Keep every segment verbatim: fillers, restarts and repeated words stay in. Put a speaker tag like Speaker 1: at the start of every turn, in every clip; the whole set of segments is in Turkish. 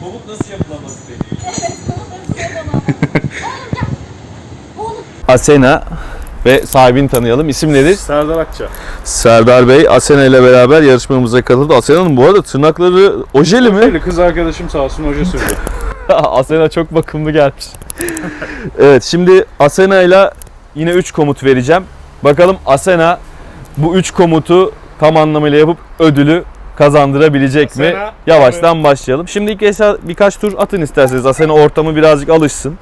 Speaker 1: Komut nasıl yapılamaz peki?
Speaker 2: Evet, komut nasıl yapılamaz? Oğlum gel. Oğlum.
Speaker 3: Asena ve sahibini tanıyalım. İsim nedir?
Speaker 4: Serdar Akça.
Speaker 3: Serdar Bey, Asena ile beraber yarışmamıza katıldı. Asena'nın bu arada tırnakları ojeli mi?
Speaker 4: Öyle kız arkadaşım sağ olsun hoca sürdü.
Speaker 3: Asena çok bakımlı gelmiş. Evet, şimdi Asena ile yine üç komut vereceğim. Bakalım Asena bu üç komutu tam anlamıyla yapıp ödülü kazandırabilecek mi?
Speaker 4: Asena,
Speaker 3: Yavaştan evet. Başlayalım. Şimdi ilk eşya, birkaç tur atın isterseniz. Asena ortamı birazcık alışsın.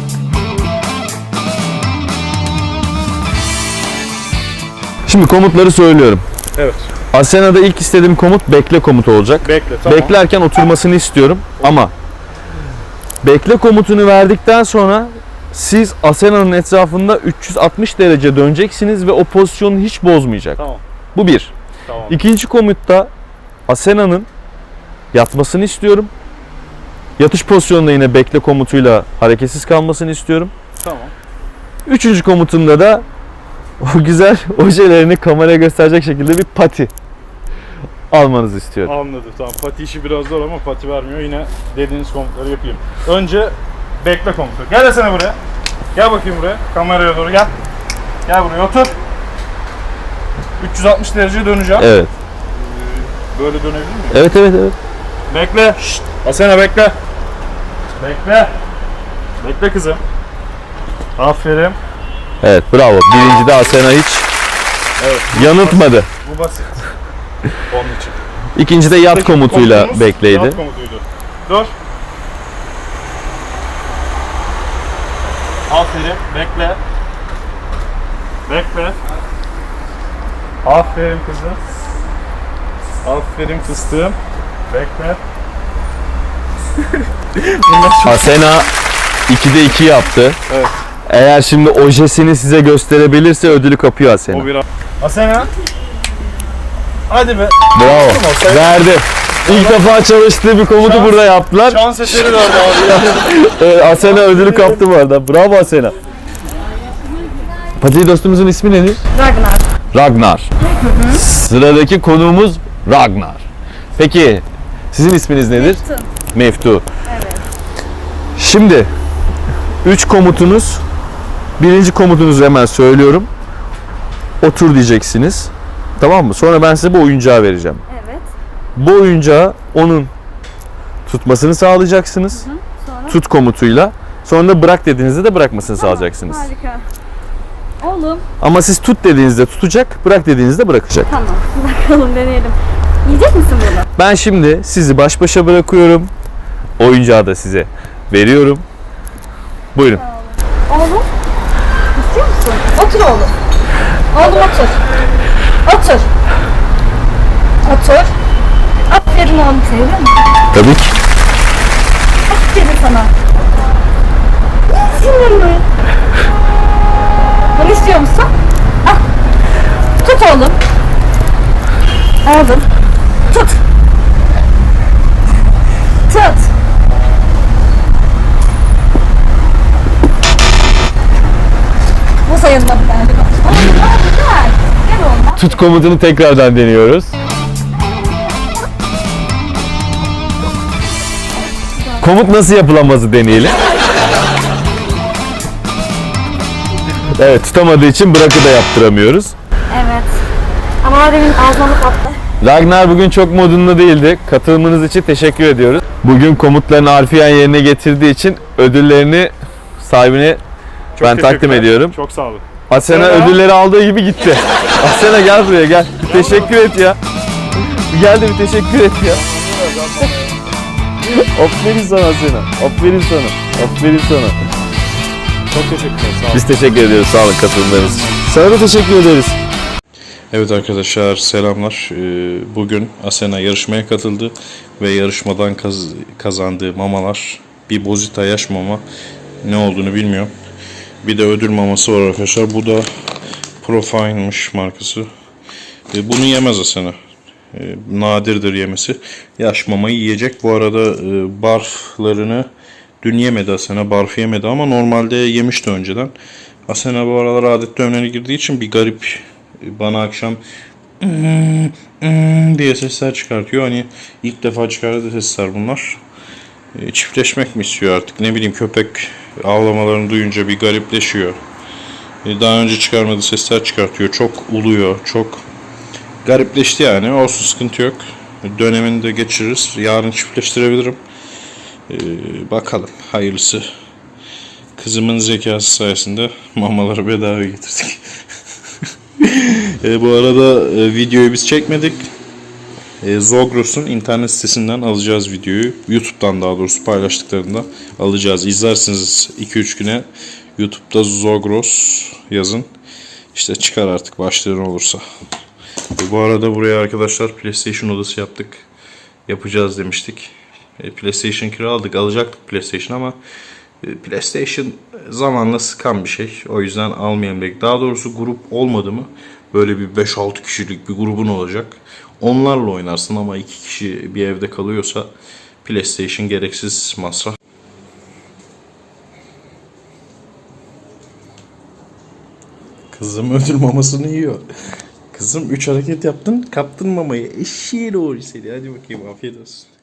Speaker 3: Şimdi komutları söylüyorum.
Speaker 4: Evet.
Speaker 3: Asena'da ilk istediğim komut bekle komutu olacak.
Speaker 4: Bekle, tamam.
Speaker 3: Beklerken oturmasını istiyorum ama bekle komutunu verdikten sonra siz Asena'nın etrafında üç yüz altmış derece döneceksiniz ve o pozisyonu hiç bozmayacak.
Speaker 4: Tamam.
Speaker 3: Bu bir.
Speaker 4: Tamam.
Speaker 3: İkinci komutta Asena'nın yatmasını istiyorum. Yatış pozisyonunda yine bekle komutuyla hareketsiz kalmasını istiyorum.
Speaker 4: Tamam.
Speaker 3: Üçüncü komutunda da o güzel ojelerini kameraya gösterecek şekilde bir pati almanızı istiyorum.
Speaker 4: Anladım, tamam. Pati işi biraz zor ama pati vermiyor. Yine dediğiniz komutları yapayım. Önce bekle komutu. Gel desene buraya. Gel bakayım buraya. Kameraya doğru gel. Gel buraya otur. üç yüz altmış derece döneceğim.
Speaker 3: Evet.
Speaker 4: Böyle dönebilir miyim?
Speaker 3: Evet evet evet.
Speaker 4: Bekle. Şşt. Asena bekle. Bekle. Bekle kızım. Aferin.
Speaker 3: Evet bravo. Birincide Asena hiç
Speaker 4: Evet.
Speaker 3: yanıltmadı.
Speaker 4: Bu basit. Onun için.
Speaker 3: İkincide yat
Speaker 4: Peki,
Speaker 3: komutuyla
Speaker 4: komutumuz
Speaker 3: bekleydi.
Speaker 4: Yat komutuydu. Dur. Aferin. Bekle. Bekle. Aferin kızım. Aferin fıstığım. Bekle.
Speaker 3: Asena ikide iki yaptı.
Speaker 4: Evet.
Speaker 3: Eğer şimdi ojesini size gösterebilirse ödülü kapıyor Asena.
Speaker 4: O bir Asena. Hadi be.
Speaker 3: Bravo.
Speaker 4: Sen-
Speaker 3: Verdi. İlk defa çalıştığı bir komutu
Speaker 4: Şans-
Speaker 3: burada yaptılar.
Speaker 4: Şans eseri verdi abi.
Speaker 3: Evet, Asena ödülü kaptı bu arada. Bravo Asena. Pati dostumuzun ismi nedir?
Speaker 2: Ragnar.
Speaker 3: Ragnar. Sıradaki konuğumuz Ragnar. Peki sizin isminiz nedir?
Speaker 2: Meftun.
Speaker 3: Meftu.
Speaker 2: Evet.
Speaker 3: Şimdi üç komutunuz. Birinci komutunuzu hemen söylüyorum. Otur diyeceksiniz. Tamam mı? Sonra ben size bu oyuncağı vereceğim.
Speaker 2: Evet.
Speaker 3: Bu oyuncağı onun tutmasını sağlayacaksınız.
Speaker 2: Hı. Sonra?
Speaker 3: Tut komutuyla. Sonra da bırak dediğinizde de bırakmasını
Speaker 2: Tamam,
Speaker 3: sağlayacaksınız.
Speaker 2: Harika. Oğlum.
Speaker 3: Ama siz tut dediğinizde tutacak, bırak dediğinizde bırakacak.
Speaker 2: Tamam. Bakalım deneyelim. Yiyecek misin bunu?
Speaker 3: Ben şimdi sizi baş başa bırakıyorum. Oyuncağı da size veriyorum. Buyurun.
Speaker 2: Oğlum. İstiyor musun? Otur oğlum. Oğlum otur. Otur. Otur. Aferin oğlum, seviyor musun?
Speaker 3: Tabii ki.
Speaker 2: Aferin sana. Sinirli. Bunu istiyor musun? Al. Tut oğlum. Oğlum. Tut. Tut. Bu sayılmadı bence. Oğlum ne güzel. Gel oğlum.
Speaker 3: Tut komutunu tekrardan deniyoruz. Komut nasıl yapılamazı deneyelim. Evet, tutamadığı için bırakı da yaptıramıyoruz.
Speaker 2: Evet. Ama demin ağzına attı.
Speaker 3: Ragnar bugün çok modunda değildi. Katılımınız için teşekkür ediyoruz. Bugün komutlarını harfiyen yerine getirdiği için ödüllerini sahibine
Speaker 4: Çok
Speaker 3: ben takdim
Speaker 4: teşekkürler.
Speaker 3: ediyorum.
Speaker 4: Çok sağ olun.
Speaker 3: Asena
Speaker 4: Asena.
Speaker 3: ödülleri aldığı gibi gitti. Asena gel buraya gel. Bir teşekkür et ya. Bir Gel de bir teşekkür et ya. Aferin sana Asena. Aferin sana. Aferin sana.
Speaker 4: Çok teşekkürler. Sağ olun.
Speaker 3: Biz teşekkür ediyoruz. Sağ olun katılımlarınız için. Sana da teşekkür ederiz.
Speaker 5: Evet arkadaşlar selamlar. Ee, Bugün Asena yarışmaya katıldı ve yarışmadan kaz- kazandığı mamalar bir Bozita yaş mama, ne olduğunu bilmiyorum. Bir de ödül maması var arkadaşlar. Bu da Profine'mış markası. Ee, Bunu yemez Asena. Ee, Nadirdir yemesi. Yaş mamayı yiyecek. Bu arada e, barflarını dün yemedi Asena. Barf yemedi ama normalde yemişti önceden. Asena bu aralar adet dönemine girdiği için bir garip, bana akşam diye sesler çıkartıyor. Hani ilk defa çıkardığı sesler bunlar. E, çiftleşmek mi istiyor artık, ne bileyim, köpek ağlamalarını duyunca bir garipleşiyor. E, daha önce çıkarmadığı sesler çıkartıyor. Çok uluyor. Çok garipleşti yani. Olsun, sıkıntı yok. Dönemini de geçiririz. Yarın çiftleştirebilirim. E, bakalım. Hayırlısı. Kızımın zekası sayesinde mamaları bedava getirdik. e, bu arada e, videoyu biz çekmedik. E, Zogros'un internet sitesinden alacağız videoyu. YouTube'dan daha doğrusu paylaştıklarında alacağız. İzlersiniz iki üç güne. YouTube'da Zogros yazın. İşte çıkar artık başlığın olursa. E, bu arada buraya arkadaşlar PlayStation odası yaptık. Yapacağız demiştik. E, PlayStation kiraladık. Alacaktık PlayStation ama e, PlayStation zamanla sıkan bir şey. O yüzden almayalım dedik. Daha doğrusu grup olmadı mı böyle bir beş altı kişilik bir grubun olacak. Onlarla oynarsın ama iki kişi bir evde kalıyorsa PlayStation gereksiz masraf. Kızım ödül mamasını yiyor. Kızım üç hareket yaptın, kaptın mamayı. Eşeği doğru seni. Hadi bakayım, afiyet olsun.